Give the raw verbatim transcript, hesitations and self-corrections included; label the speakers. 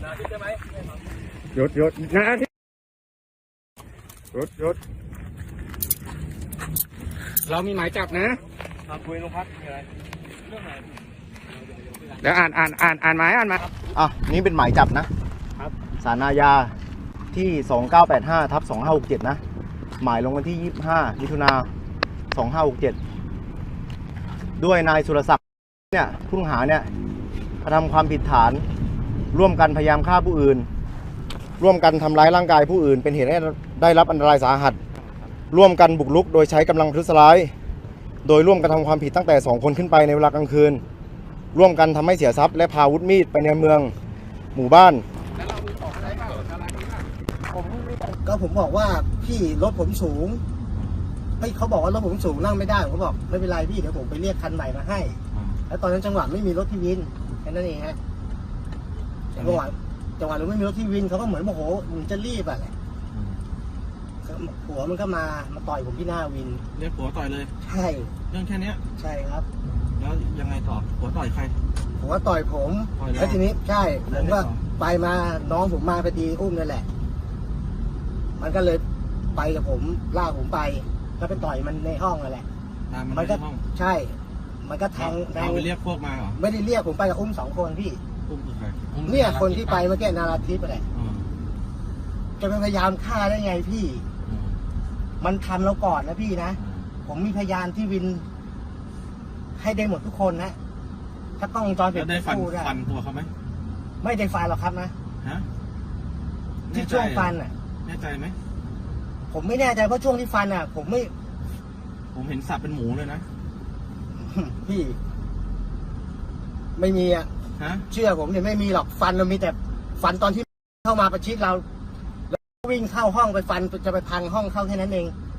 Speaker 1: ใช่ไหม
Speaker 2: หยุดหยุดนะที่หยุดหยุดเรามีหมายจับนะ
Speaker 1: มาคุยโรงพักมีอะไรเรื่องไหน
Speaker 2: เดี๋ยวอ่านอ่านอ่านอ่านหมายอ่านหมาย
Speaker 3: อ่ะนี่เป็นหมายจับนะครับศาลอาญาที่สองเก้าแปดห้าทับสองห้าหกเจ็ดนะหมายลงวันที่ยี่สิบห้ามิถุนาสองห้าหกเจ็ดด้วยนายสุรศักดิ์เนี่ยผู้ต้องหาเนี่ยกระทำความผิดฐานร่วมกันพยายามฆ่าผู้อื่นร่วมกันทำร้ายร่างกายผู้อื่นเป็นเหตุให้ได้รับอันตรายสาหัสร่วมกันบุกรุกโดยใช้กำลังประทุษร้ายโดยร่วมกันทำความผิดตั้งแต่สองคนขึ้นไปในเวลากลางคืนร่วมกันทำให้เสียทรัพย์และพาอาวุธมีดไปในเมืองหมู่บ้าน
Speaker 4: ก็ผมบอกว่าพี่รถผมสูงเฮ้ยเขาบอกว่ารถผมสูงนั่งไม่ได้ผมบอกไม่เป็นไรพี่เดี๋ยวผมไปเรียกคันใหม่มาให้แล้วตอนนั้นจังหวะไม่มีรถที่วินแค่นั้นเองฮะจังหวะจังหวะเราไม่มีรถที่วินเขาก็เหมือนโมโหมึงจะรีบอะแหละผัวมันก็มามาต่อยผมที่หน้าวิน
Speaker 1: เรียกผัวต่อยเลย
Speaker 4: ใช่
Speaker 1: เรื่องแค่นี้
Speaker 4: ใช่ครับ
Speaker 1: แล้วยังไงต่อผัวต่อยใคร
Speaker 4: ผัวต่อยผมแล้วทีนี้ใช่ผมก็ไปมาน้องผมมาพอดีอุ้มนั่นแหละมันก็เลยไปกับผมลากผมไปก็ไปต่อยมันในห้องนั่นแหละ
Speaker 1: มันก็
Speaker 4: ใช่มันก็แทง
Speaker 1: แทงไปเรียกพวกมาเหรอ
Speaker 4: ไม่ได้เรียกผมไปกับอุ้มสองคนพี่
Speaker 1: อุ้มคือใคร
Speaker 4: เนี่ยคนที่ไปเมื่อกี้นาราทิพย์อะไรจะพยายามฆ่าได้ไงพี่มันทำเราก่อนนะพี่นะผมมีพยานที่วินให้ได้หมดทุกคนนะถ้าต้องจอยเป็น
Speaker 1: ได้ฟันฟันตัวเขาไหม
Speaker 4: ไม่ได้ฟันหรอกครับนะ
Speaker 1: ฮะ
Speaker 4: ที่ช่วงฟันอ่ะ
Speaker 1: แน่ใจไหม
Speaker 4: ผมไม่แน่ใจเพราะช่วงที่ฟันอ่ะผมไม่
Speaker 1: ผมเห็นสับเป็นหมูเลยนะ
Speaker 4: พี่ไม่มีอ่ะเชื่อผมเนี่ยไม่มีหรอกฟันเรามีแต่ฟันตอนที่เข้ามาประชิดเราแล้ววิ่งเข้าห้องไปฟันจะไปพังห้องเข้าแค่นั้นเอง